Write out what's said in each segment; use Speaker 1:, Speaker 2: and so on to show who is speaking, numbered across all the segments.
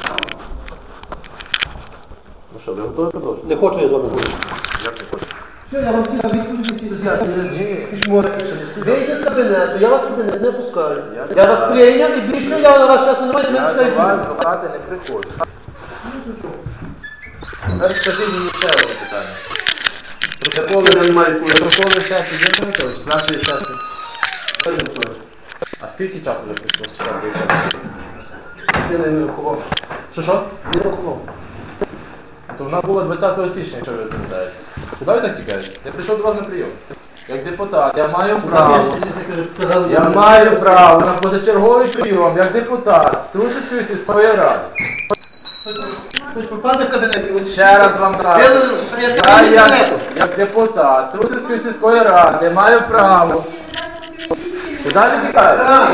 Speaker 1: Ну що, ви готові продовжити?
Speaker 2: Не хочу я з вами говорити.
Speaker 1: Як не хочете?
Speaker 2: Все, я вам всі відповіді всі роз'яснюю.
Speaker 1: Ні,
Speaker 2: Письмо.
Speaker 1: ще не всі.
Speaker 2: Вийдіть з кабінету, я вас в кабінет не пускаю.
Speaker 1: Я
Speaker 2: Я вас прийняв і більше я на вас часу немає, не
Speaker 1: Я
Speaker 2: чекаю.
Speaker 1: до вас брати не приходжу. Тепер скажіть мені ще одне питання. Протоколи сесії є Анатолійович? 14 сесії. А скільки часу вже прийшло з 4 сесії?
Speaker 2: Я не рахував.
Speaker 1: Що?
Speaker 2: Не рахував.
Speaker 1: То вона була 20 січня, якщо ви пам'ятаєте. Куди ви так тікаєте? Я прийшов до вас на прийом. Як депутат, я маю право. Я маю право на позачерговий прийом, як депутат Струшівської сільської ради.
Speaker 2: Хоч попаде в кабінет.
Speaker 1: Ще раз вам кажу. Я як депутат Струшівської сільської ради маю право. Куди ви тікаєте?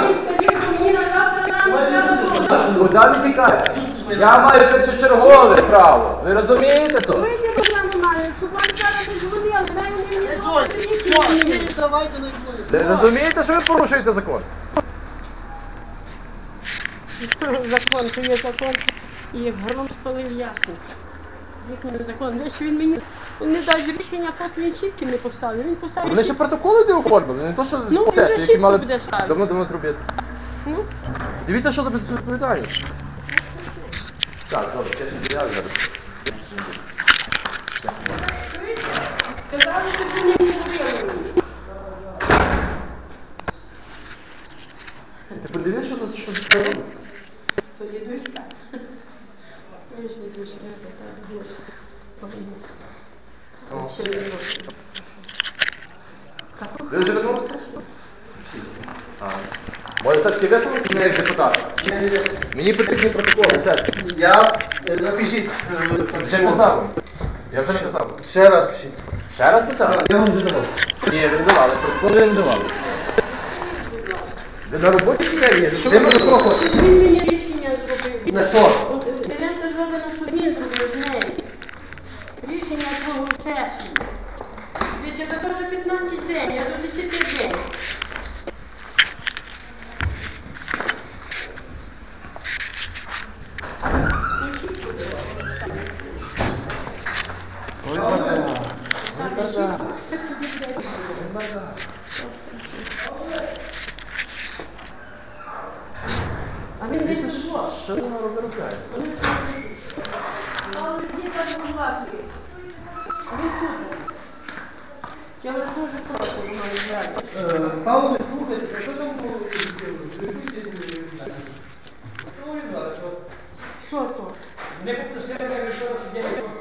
Speaker 1: Куди ви тікаєте? Я маю першочергове право. Ви розумієте то? Ви розумієте, що ви порушуєте закон?
Speaker 3: Закон, то є закон, і як гром спалив ясно. Їхній закон. Лише він мені не дасть рішення, поки він чітки не поставив. Він поставив.
Speaker 1: Вони ще протоколи не оформили, не то, що
Speaker 3: Ну, він
Speaker 1: сесії,
Speaker 3: вже
Speaker 1: які
Speaker 3: шибко
Speaker 1: мали
Speaker 3: буде ставити.
Speaker 1: давно зробити.
Speaker 3: Ну,
Speaker 1: Дивіться, що за безвідповідальність. Так, добре, я ще заяви зараз.
Speaker 3: казали, що ти не робили.
Speaker 1: Ти подивись, що це робиться?
Speaker 3: То дідуська. Я ж дідуська, я така Ще не можу.
Speaker 1: Ви вже вернувся? Може, все-таки висунути мене як депутата? Мені потрібні протоколи, сесії.
Speaker 2: Я напишіть.
Speaker 1: Вже писав вам. Я вже написав.
Speaker 2: Ще раз пишіть.
Speaker 1: Ще раз писав?
Speaker 2: Я вам вже давав.
Speaker 1: Ні, ви не давали, протоколи ви не давали. Ви на роботі чи не є? Що ви
Speaker 2: Ти
Speaker 1: робите?
Speaker 3: Він мені рішення зробив.
Speaker 2: На що?
Speaker 3: Теренко зробив, що він зробив з нею. Рішення твого сесії. Дивіться, це вже 15 день, я до 10 день. А він десь зло.
Speaker 1: Що ви робите?
Speaker 3: Я вас дуже прошу, Роман, взяти.
Speaker 2: Павло, слухайте, що там було?
Speaker 3: Що то?
Speaker 4: Не попросили, я вирішила, що я не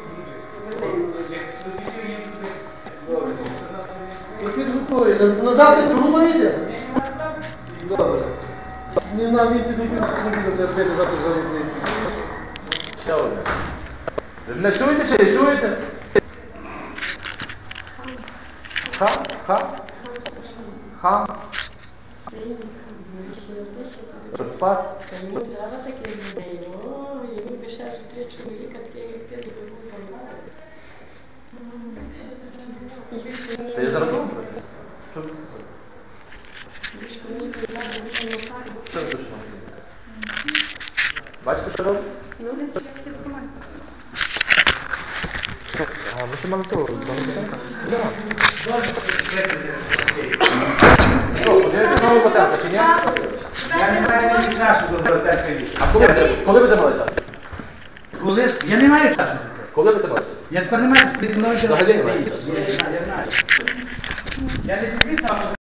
Speaker 2: Який готовий? На завтра другу йде? Добре. Не на він підготує, що не буде, де завтра заробити.
Speaker 1: Ще одне. Ви мене чуєте чи не чуєте? Ха? Розпас?
Speaker 3: Йому треба таких людей. О, йому би ще 3 чоловіка, таких як ти, би був помагати.
Speaker 1: Це я зараз роблю? Що ви Що ви пишете? Бачите, що робить? А, ви ще мали того, Що, подивитися знову Батенка, чи ні?
Speaker 4: Я не маю ні часу до Городенка їсти.
Speaker 1: А коли ви мали час?
Speaker 4: Я не маю часу.
Speaker 1: Коли ви мали час?
Speaker 4: Я тепер не маю часу.
Speaker 1: Взагалі немає.
Speaker 4: Я не знаю. Я не